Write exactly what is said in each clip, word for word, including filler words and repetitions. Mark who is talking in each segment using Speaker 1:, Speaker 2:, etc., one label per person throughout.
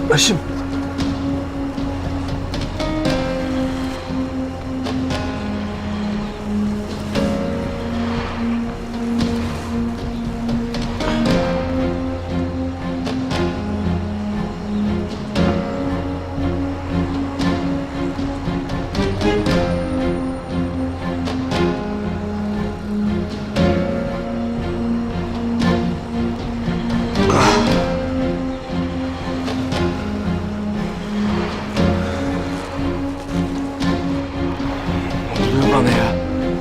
Speaker 1: Başım. Ne oluyor bana ya?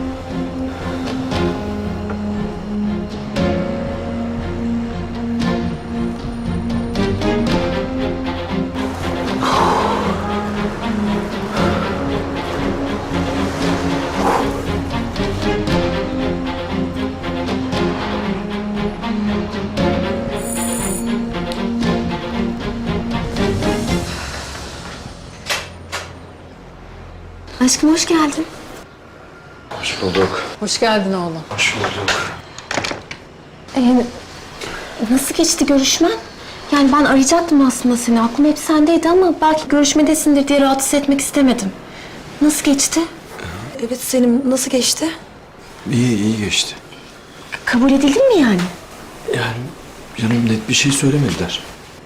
Speaker 2: Aşkım hoş geldin.
Speaker 1: Hoş bulduk.
Speaker 3: Hoş geldin oğlum.
Speaker 1: Hoş bulduk.
Speaker 2: Ee, nasıl geçti görüşmen? Yani ben arayacaktım aslında seni. Aklım hep sendeydi ama belki görüşmedesindir diye rahatsız etmek istemedim. Nasıl geçti?
Speaker 4: Evet Selim, nasıl geçti?
Speaker 1: İyi, iyi geçti.
Speaker 2: Kabul edildin mi yani?
Speaker 1: Yani canım net bir şey söylemediler.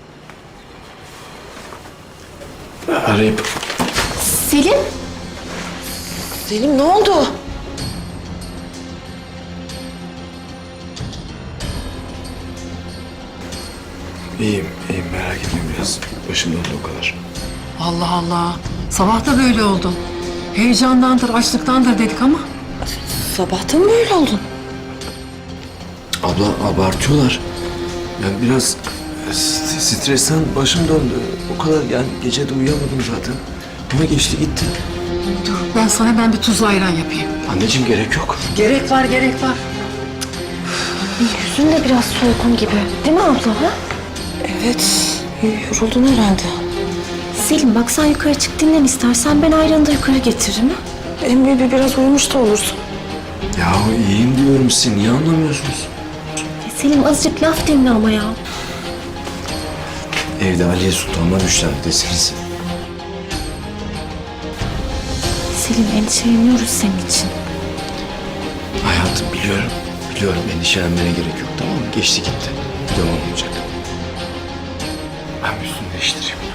Speaker 1: Arayıp
Speaker 2: Selim?
Speaker 4: Selim ne oldu?
Speaker 1: iyiyim, iyiyim merak etmeyin biraz. Başım döndü o kadar.
Speaker 3: Allah Allah. Sabah da böyle oldun. Heyecandandır, açlıktandır dedik ama.
Speaker 4: Sabahtan mı böyle oldun?
Speaker 1: Abla abartıyorlar. Yani biraz st- stresten başım döndü. O kadar yani gece de uyuyamadım zaten. Ama geçti gitti.
Speaker 3: Dur ben sana hemen bir tuzlu ayran yapayım.
Speaker 1: Anneciğim gerek yok.
Speaker 3: Gerek var, gerek var.
Speaker 2: Yüzün de biraz solgun gibi. Değil mi abla? Ha?
Speaker 4: Evet, yoruldun herhalde.
Speaker 2: Selim bak sen yukarı çık dinlen istersen. Ben ayranı da yukarı getiririm. Ha?
Speaker 4: Hem bir biraz uyumuş da olursun.
Speaker 1: Ya iyiyim diyorum size. Niye anlamıyorsunuz?
Speaker 2: E, Selim azıcık laf dinle ama ya.
Speaker 1: Evde Aliye Sultan'la müşteri deseniz.
Speaker 2: Selim endişeleniyoruz senin için.
Speaker 1: Hayatım biliyorum. Biliyorum endişelenmene gerek yok tamam mı? Geçti gitti. Devam olacak. Ben bir üstümü değiştireyim.